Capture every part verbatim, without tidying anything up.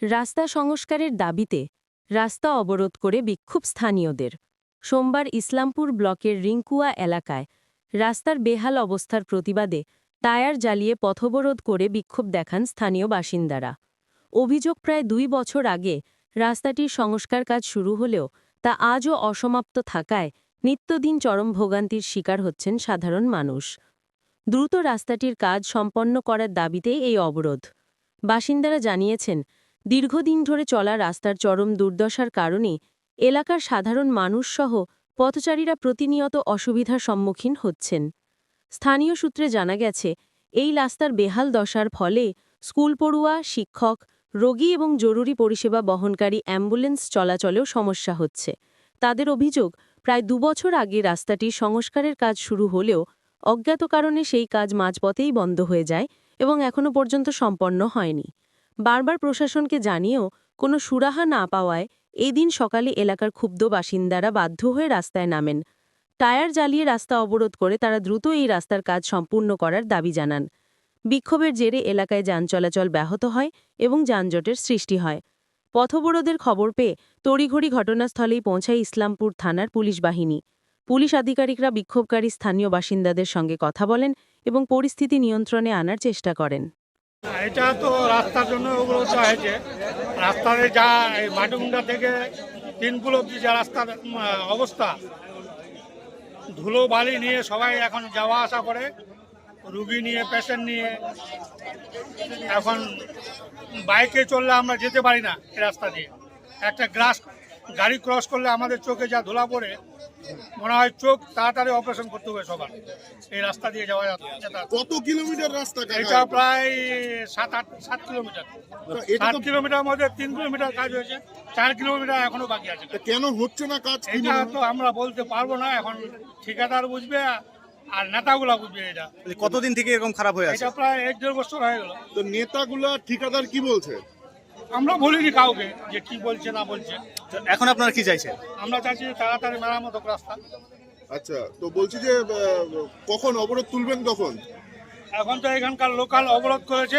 রাস্তা সংস্কারের দাবিতে রাস্তা অবরোধ করে বিক্ষোভ স্থানীয়দের। সোমবার ইসলামপুর ব্লকের রিংকুয়া এলাকায় রাস্তার বেহাল অবস্থার প্রতিবাদে টায়ার জ্বালিয়ে পথবরোধ করে বিক্ষোভ দেখান স্থানীয় বাসিন্দারা। অভিযোগ, প্রায় দুই বছর আগে রাস্তাটির সংস্কার কাজ শুরু হলেও তা আজও অসমাপ্ত থাকায় নিত্যদিন চরম ভোগান্তির শিকার হচ্ছেন সাধারণ মানুষ। দ্রুত রাস্তাটির কাজ সম্পন্ন করার দাবিতেই এই অবরোধ। বাসিন্দারা জানিয়েছেন, দীর্ঘদিন ধরে চলা রাস্তার চরম দুর্দশার কারণে এলাকার সাধারণ মানুষসহ পথচারীরা প্রতিনিয়ত অসুবিধার সম্মুখীন হচ্ছেন। স্থানীয় সূত্রে জানা গেছে, এই রাস্তার বেহাল দশার ফলে স্কুল পড়ুয়া, শিক্ষক, রোগী এবং জরুরি পরিষেবা বহনকারী অ্যাম্বুলেন্স চলাচলেও সমস্যা হচ্ছে। তাদের অভিযোগ, প্রায় দুবছর আগে রাস্তাটির সংস্কারের কাজ শুরু হলেও অজ্ঞাত কারণে সেই কাজ মাঝপথেই বন্ধ হয়ে যায় এবং এখনও পর্যন্ত সম্পন্ন হয়নি। বারবার প্রশাসনকে জানিয়েও কোনো সুরাহা না পাওয়ায় এই দিন সকালে এলাকার ক্ষুব্ধ বাসিন্দারা বাধ্য হয়ে রাস্তায় নামেন। টায়ার জ্বালিয়ে রাস্তা অবরোধ করে তারা দ্রুত এই রাস্তার কাজ সম্পূর্ণ করার দাবি জানান। বিক্ষোভের জেরে এলাকায় যান চলাচল ব্যাহত হয় এবং যানজটের সৃষ্টি হয়। পথবরোধের খবর পেয়ে তড়িঘড়ি ঘটনাস্থলেই পৌঁছায় ইসলামপুর থানার পুলিশ বাহিনী। পুলিশ আধিকারিকরা বিক্ষোভকারী স্থানীয় বাসিন্দাদের সঙ্গে কথা বলেন এবং পরিস্থিতি নিয়ন্ত্রণে আনার চেষ্টা করেন। এটা তো রাস্তার জন্য অবরোধ হয়েছে। রাস্তাতে যা মাটিগুন্ডা থেকে তিনপুল অব্দি যা রাস্তার অবস্থা, ধুলো বালি নিয়ে সবাই এখন যাওয়া আসা করে, রুগী নিয়ে, পেশেন্ট নিয়ে। এখন বাইকে চললে আমরা যেতে পারি না এই রাস্তা দিয়ে। একটা গ্লাস গাড়ি ক্রস করলে আমাদের চোখে যা ধুলা পড়ে, মনে হয় চোখ তাড়াতাড়ি অপারেশন করতে হবে সবার। এই রাস্তা দিয়ে যাওয়া যাচ্ছে। কত কিলোমিটার রাস্তা? এটা প্রায় সাত আট সাত কিলোমিটার। সাত কিলোমিটার মধ্যে তিন কিলোমিটার কাজ হয়েছে, চার কিলোমিটার এখনো বাকি আছে। কেন হচ্ছে না কাজ? এটা তো আমরা বলতে পারবো না, এখন ঠিকাদার বুঝবে আর নেতাগুলা বুঝবে। এটা কতদিন থেকে এরকম খারাপ হয়ে আছে? এটা প্রায় এক দেড় বছর হয়ে গেল। তো নেতাগুলা, ঠিকাদার কি বলছে? আমরা বলিনি কাউকে যে কি বলছে না বলছে। এখন আপনারা কি চাইছেন? আমরা চাইছি তাড়াতাড়ি মেরামত হোক রাস্তা। আচ্ছা, তো বলছি যে আহ, কখন অবরোধ তুলবেন কখন? এখন তো এখানকার লোকাল অবরোধ করেছে,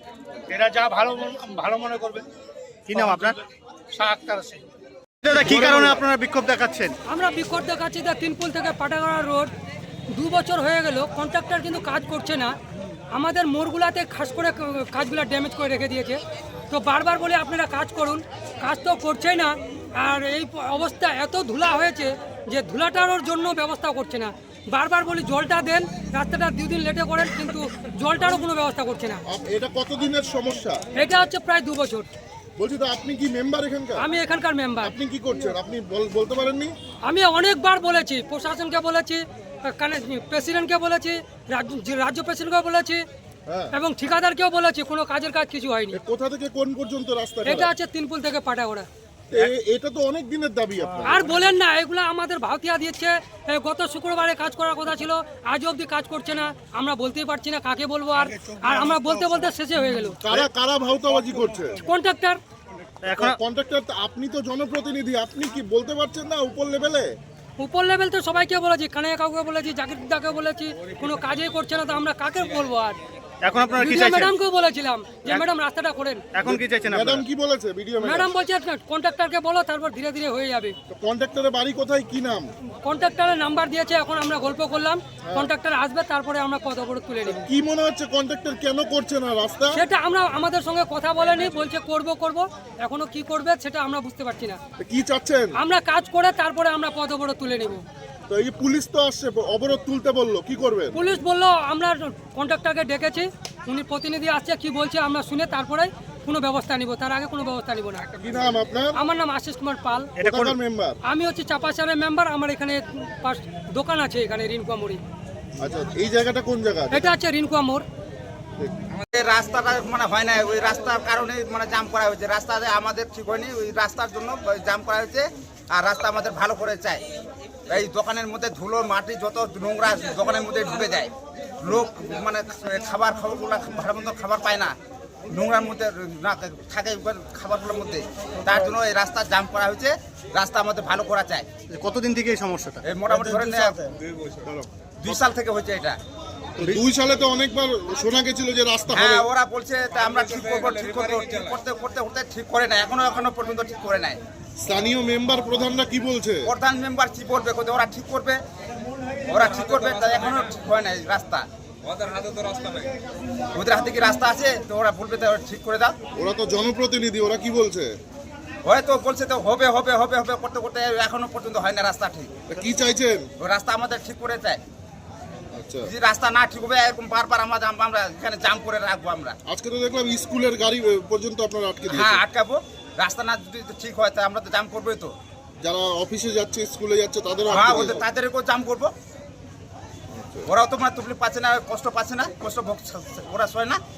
এরা যা ভালো ভালো মনে করবে। কি নাম আপনার? শাহ আক্তার সিং। দাদা, কি কারণে আপনারা বিক্ষোভ দেখাচ্ছেন? আমরা বিক্ষোভ দেখাচ্ছি যে তিনপুল থেকে পাটাগড়া রোড দু বছর হয়ে গেল, কন্ট্রাক্টর কিন্তু কাজ করছে না। আমাদের মোড়গুলাতে খাস করে কাজগুলো ড্যামেজ করে রেখে দিয়েছে। তো বারবার বলে আপনারা কাজ করুন, কাজ তো করছেই না। আর এই অবস্থা এত ধুলা হয়েছে যে ধুলাটার জন্য ব্যবস্থা করছে না। বারবার বলি জলটা দেন, রাস্তাটা দুদিন লেটে করেন, কিন্তু জলটারও কোনো ব্যবস্থা করছে না। আপ- এটা কতদিনের সমস্যা? এটা হচ্ছে প্রায় দু বছর। বলছি তো, আপনি কি মেম্বার এখানকার? আমি এখানকার মেম্বার। আপনি কি করছেন? আপনি বল- বলতে পারেননি? আমি অনেকবার বলেছি, প্রশাসনকে বলেছি, প্রেসিডেন্টকে বলেছি, রাজ্য রাজ্য প্রেসিডেন্টকে বলেছি হ্যাঁ। এবং ঠিকাদারকেও বলেছি, কোনো কাজের কাজ কিছু হয়নি। এ কোথা থেকে কোন পর্যন্ত রাস্তা? এটা হচ্ছে তিনপুল থেকে পাটাগড়া। এ- এটা তো অনেক দিনের দাবি আপনার। আর বলেন না, এগুলো আমাদের ভাওতিয়া দিচ্ছে। এ, গত শুক্রবারে কাজ করার কথা ছিল, আজ অবধি কাজ করছে না। আমরা বলতেই পারছি না কাকে বলবো। আর আর আমরা বলতে বলতে শেষে হয়ে গেল। কারা কারা ভাওতাবাজি করছে? কন্ট্রাক্টর। এখন কন্ট্রাক্টর, আপনি তো জনপ্রতিনিধি, আপনি কি বলতে পারছেন না উপর লেভেলে? উপর লেভেল তো সবাইকে বলেছি, কানাইয়া কাউকে বলেছি, জাকিরদাকে বলেছি, কোনো কাজই করছে না। তো আমরা কাকে বলবো? আর এখন আপনারা কি চাইছেন? ম্যাডামকেও বলেছিলাম যে ম্যাডাম রাস্তাটা করেন। এখন কি চাইছেন ম্যাডাম আপনারা? কি বলেছে? ভিডিও ম্যাডাম বলছে কন্ট্রাক্টরকে বলো, তারপর ধীরে ধীরে হয়ে যাবে। কন্ট্রাক্টরের বাড়ি কোথায়, কি নাম? কন্ট্রাক্টরের নাম্বার দিয়েছে, এখন আমরা গল্প করলাম। কন্ট্রাক্টর আসবে, তারপরে আমরা পথ অবরোধ তুলে নেব। কি মনে হচ্ছে কন্ট্রাক্টর কেন করছে না রাস্তা? সেটা আমরা আমাদের সঙ্গে কথা বলেনি, বলছে করব করব, এখনো কি করবে সেটা আমরা বুঝতে পারছি না। তো কি চাচ্ছেন? আমরা কাজ করে তারপরে আমরা পথ অবরোধ তুলে নেব। তো এই যে পুলিশ তো আসছে, অবরোধ তুলতে বললো, কি করবেন? পুলিশ বললো আমরা কন্ট্রাক্টরকে ডেকেছি, উনি প্রতিনিধি আসছে, কি বলছে আমরা শুনে তারপরে কোনো ব্যবস্থা নিব, তার আগে কোনো ব্যবস্থা নিব না। কি নাম আপনার? আমার নাম আশিস কুমার পাল। এটা কোন কোথাকার মেম্বার? আমি হচ্ছে চাপাচারের মেম্বার। আমার এখানে পাশ দোকান আছে, এখানে রিনকুয়া মোড়ে। আচ্ছা, এই জায়গাটা কোন জায়গা? এটা হচ্ছে রিনকুয়া মোড়। আমাদের রাস্তাটা মানে হয় না, ওই রাস্তার কারণে মানে জাম করা হয়েছে। রাস্তাতে আমাদের ঠিক হয়নি, ওই রাস্তার জন্য জাম করা হয়েছে। আর রাস্তা আমাদের ভালো করে চাই। এই দোকানের মধ্যে ধুলো মাটি যত নোংরা দোকানের মধ্যে ঢুকে যায়, লোক মানে খাবার খাবারগুলো ভালো মতো খাবার পায় না, নোংরার মধ্যে না থাকে খাবারগুলোর মধ্যে। তার জন্য এই রাস্তা জাম করা হয়েছে। রাস্তা আমাদের ভালো করা চাই। কতদিন থেকে এই সমস্যাটা? এই মোটামুটি ধরেন দুই সাল থেকে হয়েছে এটা। তো দুই সালে তো অনেকবার শোনা গেছিল যে রাস্তা হবে। হ্যাঁ ওরা বলছে তা আমরা ঠিক করবো ঠিক করবো ঠিক করতে করতে করতে ঠিক করে নাই, এখনো এখনো পর্যন্ত ঠিক করে নাই। স্থানীয় মেম্বার প্রধানরা কি বলছে? প্রধান মেম্বার কি বলবে, কোথায় ওরা ঠিক করবে, ওরা ঠিক করবে, তা এখনো ঠিক হয় নাই রাস্তা। ওদের হাতে তো রাস্তা নেই, ওদের হাতে কি রাস্তা আছে? তো ওরা বলবে তো ঠিক করে দাও। ওরা তো জনপ্রতিনিধি, ওরা কি বলছে? হয়তো বলছে তো হবে হবে হবে হবে করতে করতে এখনো পর্যন্ত হয় না রাস্তা ঠিক। তা কি চাইছেন? ওই রাস্তা আমাদের ঠিক করে চাই। আচ্ছা, যদি রাস্তা না ঠিক হবে এরকম বারবার আমরা জাম- আমরা এখানে জাম করে রাখবো আমরা। আজকে তো দেখলাম স্কুলের গাড়ি পর্যন্ত আপনারা আটকে হ্যাঁ দিয়েছেন। আটকাবো, রাস্তা না যদি ঠিক হয় তা আমরা তো জাম করবোই তো। যারা অফিসে যাচ্ছে, স্কুলে যাচ্ছে, তাদেরও হ্যাঁ আটকে ওদের দিয়েছেন। তাদেরকেও জাম করবো। ওরাও তো মানে তকলিফ পাচ্ছে না, কষ্ট পাচ্ছে না, কষ্ট ভোগ- ওরা সয় না।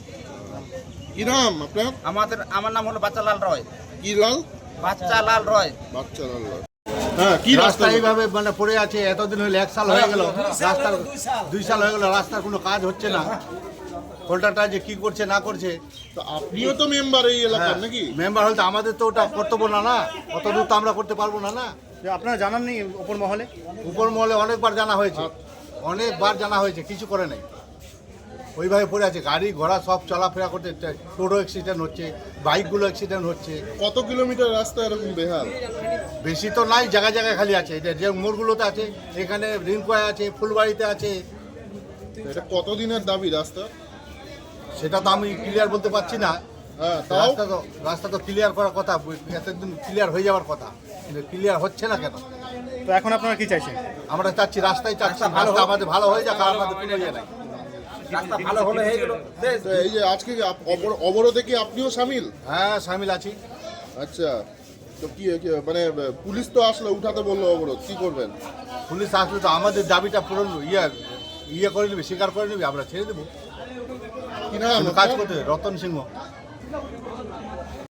কি নাম আপনার? আমাদের আমার নাম হলো বাচ্চালাল রয়। কি লাল? বাচ্চালাল রয়। বাচ্চা লাল লাল। হ্যাঁ, কি রাস্তা? রাস্তা এইভাবে মানে পড়ে আছে, এতদিন হইলে এক সাল হয়ে গেল, রাস্তার দুই সাল হয়ে গেল, রাস্তার কোনো কাজ হচ্ছে না। কন্ট্রাক্টর যে কি করছে না করছে, তো আপনিও তো মেম্বার এই এলাকার নাকি? মেম্বার হলে তো আমাদের তো ওটা কর্তব্য না, না অত দূর তো আমরা করতে পারবো না। না যে আপনারা জানাননি উপর মহলে? উপর মহলে অনেকবার জানা হয়েছে, অনেকবার জানা হয়েছে, কিছু করে নাই। ওইভাবে পড়ে আছে, গাড়ি ঘোড়া সব চলাফেরা করতে, টোটো অ্যাক্সিডেন্ট হচ্ছে, বাইকগুলো অ্যাক্সিডেন্ট হচ্ছে। কত কিলোমিটার রাস্তা এরকম বেহাল? বেশি তো নাই, জায়গায় জায়গায় খালি আছে। এটা যে মোড়গুলোতে আছে, এখানে রিঙ্কুয়ায় আছে, ফুলবাড়িতে আছে। এটা কতদিনের দাবি রাস্তা? সেটা তো আমি ক্লিয়ার বলতে পারছি না। হ্যাঁ, তাও রাস্তা তো রাস্তা তো ক্লিয়ার করার কথা, এতদিন ক্লিয়ার হয়ে যাওয়ার কথা, কিন্তু ক্লিয়ার হচ্ছে না কেন? তো এখন আপনারা কি চাইছেন? আমরা চাচ্ছি রাস্তায় চাচ্ছি, রাস্তা ভালো রাস্তা হোক। আমাদের ভালো হয়ে যাক, আর আমাদের কোনো ইয়ে নাই। রাস্তা ভালো হলে হয়ে গেল। তো এই যে আজকে কি আপ- অবর- অবরোধে কি আপনিও সামিল? হ্যাঁ সামিল আছি। আচ্ছা, তো কি কি মানে পুলিশ তো আসলো, উঠাতে বললো অবরোধ, কি করবেন? পুলিশ আসলে তো আমাদের দাবিটা পূরণ ইয়ে ইয়ে করে নেবে, স্বীকার করে নেবে, আমরা ছেড়ে দেবো। কি নাম কিন্তু কাজ আপনার? করতে হবে। রতন সিংহ।